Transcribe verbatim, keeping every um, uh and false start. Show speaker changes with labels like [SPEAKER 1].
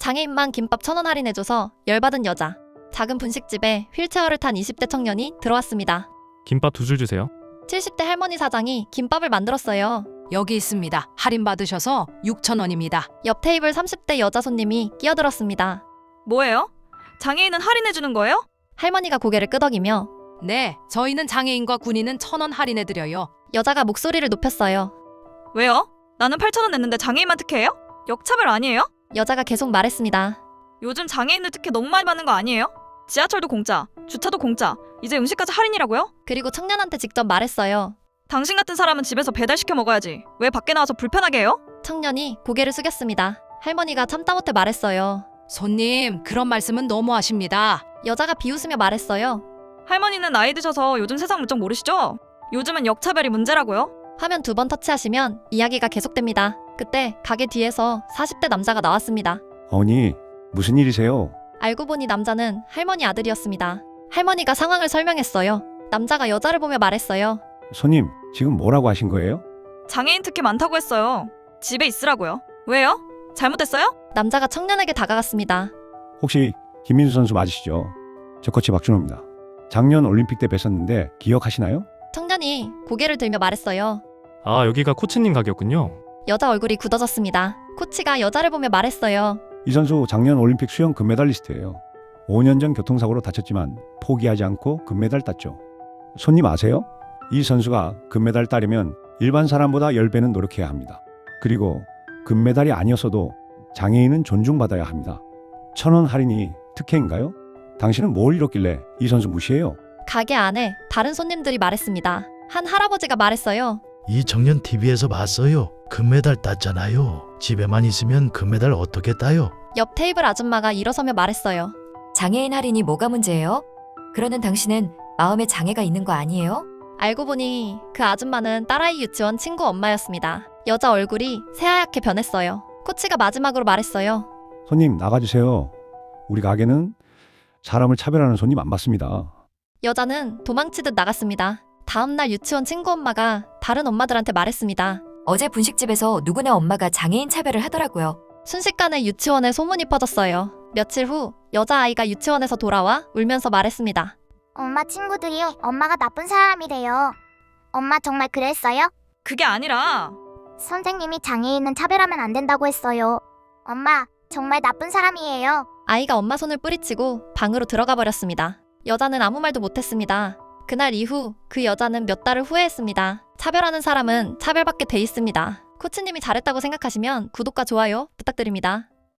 [SPEAKER 1] 장애인만 김밥 천 원 할인해줘서 열받은 여자. 작은 분식집에 휠체어를 탄 이십 대 청년이 들어왔습니다.
[SPEAKER 2] 김밥 두 줄 주세요.
[SPEAKER 1] 칠십 대 할머니 사장이 김밥을 만들었어요.
[SPEAKER 3] 여기 있습니다. 할인 받으셔서 육천 원입니다.
[SPEAKER 1] 옆 테이블 삼십 대 여자 손님이 끼어들었습니다.
[SPEAKER 4] 뭐예요? 장애인은 할인해주는 거예요?
[SPEAKER 1] 할머니가 고개를 끄덕이며
[SPEAKER 3] 네, 저희는 장애인과 군인은 천 원 할인해드려요.
[SPEAKER 1] 여자가 목소리를 높였어요.
[SPEAKER 4] 왜요? 나는 팔천 원 냈는데 장애인만 특혜예요? 역차별 아니에요?
[SPEAKER 1] 여자가 계속 말했습니다.
[SPEAKER 4] 요즘 장애인들 특혜 너무 많이 받는 거 아니에요? 지하철도 공짜, 주차도 공짜, 이제 음식까지 할인이라고요?
[SPEAKER 1] 그리고 청년한테 직접 말했어요.
[SPEAKER 4] 당신 같은 사람은 집에서 배달시켜 먹어야지. 왜 밖에 나와서 불편하게 해요?
[SPEAKER 1] 청년이 고개를 숙였습니다. 할머니가 참다 못해 말했어요.
[SPEAKER 3] 손님, 그런 말씀은 너무하십니다.
[SPEAKER 1] 여자가 비웃으며 말했어요.
[SPEAKER 4] 할머니는 나이 드셔서 요즘 세상 물정 모르시죠? 요즘은 역차별이 문제라고요?
[SPEAKER 1] 화면 두 번 터치하시면 이야기가 계속됩니다. 그때 가게 뒤에서 사십 대 남자가 나왔습니다.
[SPEAKER 5] 어머니, 무슨 일이세요?
[SPEAKER 1] 알고 보니 남자는 할머니 아들이었습니다. 할머니가 상황을 설명했어요. 남자가 여자를 보며 말했어요.
[SPEAKER 5] 손님, 지금 뭐라고 하신 거예요?
[SPEAKER 4] 장애인 특혜 많다고 했어요. 집에 있으라고요. 왜요? 잘못됐어요?
[SPEAKER 1] 남자가 청년에게 다가갔습니다.
[SPEAKER 5] 혹시 김민수 선수 맞으시죠? 저 코치 박준호입니다. 작년 올림픽 때 뵀었는데 기억하시나요?
[SPEAKER 1] 청년이 고개를 들며 말했어요.
[SPEAKER 2] 아, 여기가 코치님 가게였군요.
[SPEAKER 1] 여자 얼굴이 굳어졌습니다. 코치가 여자를 보며 말했어요.
[SPEAKER 5] 이 선수 작년 올림픽 수영 금메달리스트예요. 오 년 전 교통사고로 다쳤지만 포기하지 않고 금메달 땄죠. 손님 아세요? 이 선수가 금메달 따려면 일반 사람보다 십 배는 노력해야 합니다. 그리고 금메달이 아니었어도 장애인은 존중받아야 합니다. 천 원 할인이 특혜인가요? 당신은 뭘 잃었길래 이 선수 무시해요?
[SPEAKER 1] 가게 안에 다른 손님들이 말했습니다. 한 할아버지가 말했어요.
[SPEAKER 6] 이 청년 티비에서 봤어요. 금메달 땄잖아요. 집에만 있으면 금메달 어떻게 따요?
[SPEAKER 1] 옆 테이블 아줌마가 일어서며 말했어요.
[SPEAKER 7] 장애인 할인이 뭐가 문제예요? 그러는 당신은 마음에 장애가 있는 거 아니에요?
[SPEAKER 1] 알고 보니 그 아줌마는 딸아이 유치원 친구 엄마였습니다. 여자 얼굴이 새하얗게 변했어요. 코치가 마지막으로 말했어요.
[SPEAKER 5] 손님 나가주세요. 우리 가게는 사람을 차별하는 손님 안 받습니다.
[SPEAKER 1] 여자는 도망치듯 나갔습니다. 다음날 유치원 친구 엄마가 다른 엄마들한테 말했습니다.
[SPEAKER 7] 어제 분식집에서 누구네 엄마가 장애인 차별을 하더라고요.
[SPEAKER 1] 순식간에 유치원에 소문이 퍼졌어요. 며칠 후 여자아이가 유치원에서 돌아와 울면서 말했습니다.
[SPEAKER 8] 엄마 친구들이 엄마가 나쁜 사람이래요. 엄마 정말 그랬어요?
[SPEAKER 4] 그게 아니라
[SPEAKER 8] 선생님이 장애인은 차별하면 안 된다고 했어요. 엄마 정말 나쁜 사람이에요.
[SPEAKER 1] 아이가 엄마 손을 뿌리치고 방으로 들어가 버렸습니다. 여자는 아무 말도 못했습니다. 그날 이후 그 여자는 몇 달을 후회했습니다. 차별하는 사람은 차별받게 돼 있습니다. 코치님이 잘했다고 생각하시면 구독과 좋아요 부탁드립니다.